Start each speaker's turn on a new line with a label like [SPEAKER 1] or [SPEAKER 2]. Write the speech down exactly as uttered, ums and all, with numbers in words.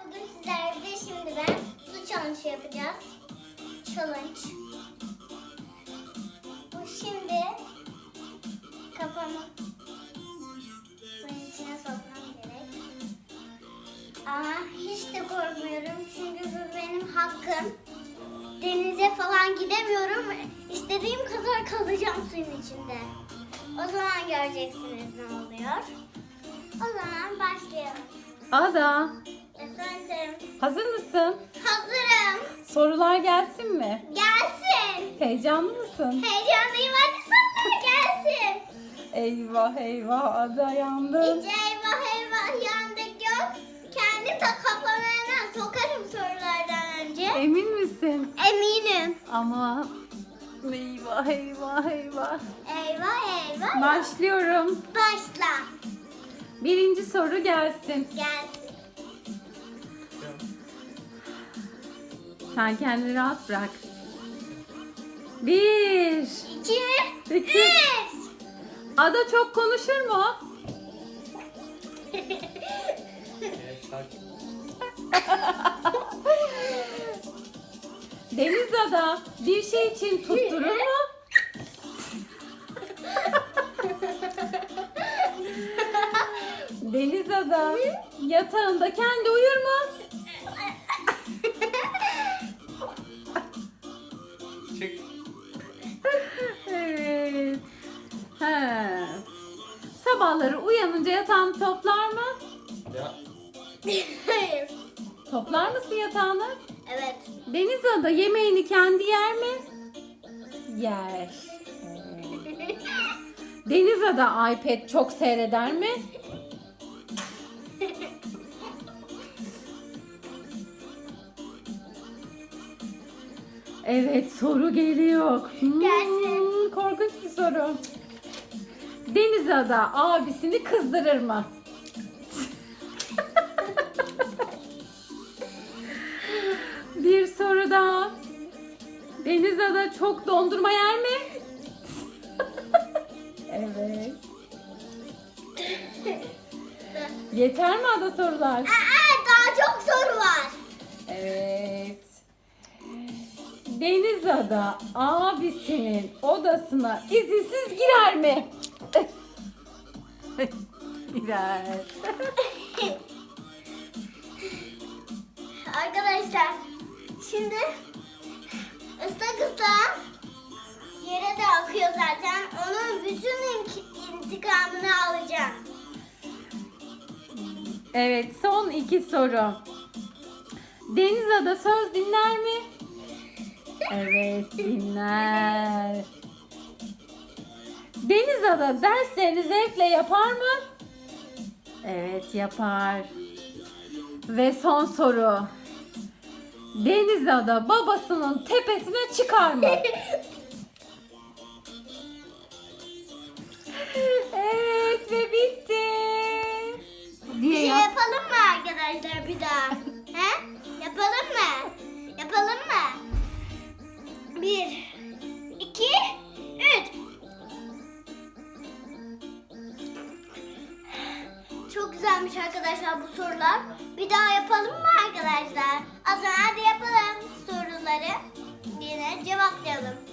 [SPEAKER 1] bugün sizlerle şimdi ben su challenge yapacağız. Challenge. Bu şimdi kafamı suyun içine sokmam gerek. Ama hiç de korkmuyorum çünkü bu benim hakkım. Denize falan gidemiyorum. İstediğim kadar kalacağım suyun içinde. O zaman göreceksiniz ne oluyor. O zaman başlayalım.
[SPEAKER 2] Ada,
[SPEAKER 1] Efendim.
[SPEAKER 2] hazır mısın?
[SPEAKER 1] Hazırım.
[SPEAKER 2] Sorular gelsin mi?
[SPEAKER 1] Gelsin.
[SPEAKER 2] Heyecanlı mısın?
[SPEAKER 1] Heyecanlıyım, hadi sorular gelsin.
[SPEAKER 2] Eyvah eyvah Ada yandın.
[SPEAKER 1] Hiç eyvah eyvah yandık yok. Kendim de kafalarına sokarım sorulardan önce.
[SPEAKER 2] Emin misin?
[SPEAKER 1] Eminim.
[SPEAKER 2] Ama eyvah eyvah eyvah.
[SPEAKER 1] Eyvah eyvah.
[SPEAKER 2] Başlıyorum.
[SPEAKER 1] Başla.
[SPEAKER 2] Birinci soru gelsin.
[SPEAKER 1] Gelsin.
[SPEAKER 2] Sen kendini rahat bırak. Bir.
[SPEAKER 1] İki.
[SPEAKER 2] İki.
[SPEAKER 1] Üç.
[SPEAKER 2] Ada çok konuşur mu? Deniz Ada bir şey için tutturur mu? Deniz Ada yatağında kendi uyur mu?
[SPEAKER 3] Çık.
[SPEAKER 2] Evet. He. Sabahları uyanınca yatağını toplar mı?
[SPEAKER 3] Ya.
[SPEAKER 1] Hayır.
[SPEAKER 2] Toplar mısın yatağını?
[SPEAKER 1] Evet.
[SPEAKER 2] Deniz Ada yemeğini kendi yer mi? Yer. Evet. Deniz Ada iPad çok seyreder mi? Evet, soru geliyor. Hmm,
[SPEAKER 1] Gelsin.
[SPEAKER 2] korkunç bir soru. Deniz Ada abisini kızdırır mı? Bir soru daha. Deniz Ada çok dondurma yer mi? Evet. Yeter mi Ada sorular?
[SPEAKER 1] Aa, daha çok soru var.
[SPEAKER 2] Evet. Deniz Ada abisinin odasına izinsiz girer mi? Girer.
[SPEAKER 1] Arkadaşlar şimdi ıslak ıslak yere de akıyor zaten. Onun bütün ink- intikamını alacağım.
[SPEAKER 2] Evet, son iki soru. Deniz Ada söz dinler mi? Evet, dinler. Deniz Ada derslerini zevkle yapar mı? Evet, yapar. Ve son soru. Deniz Ada babasının tepesine çıkar mı? Evet ve bitti.
[SPEAKER 1] Bir
[SPEAKER 2] Diye
[SPEAKER 1] şey
[SPEAKER 2] yap.
[SPEAKER 1] yapalım mı arkadaşlar bir daha? He? Yapalım mı? Yapalım mı? Bir, iki, üç. Çok güzelmiş arkadaşlar bu sorular. Bir daha yapalım mı arkadaşlar? O zaman hadi yapalım soruları. Yine cevaplayalım.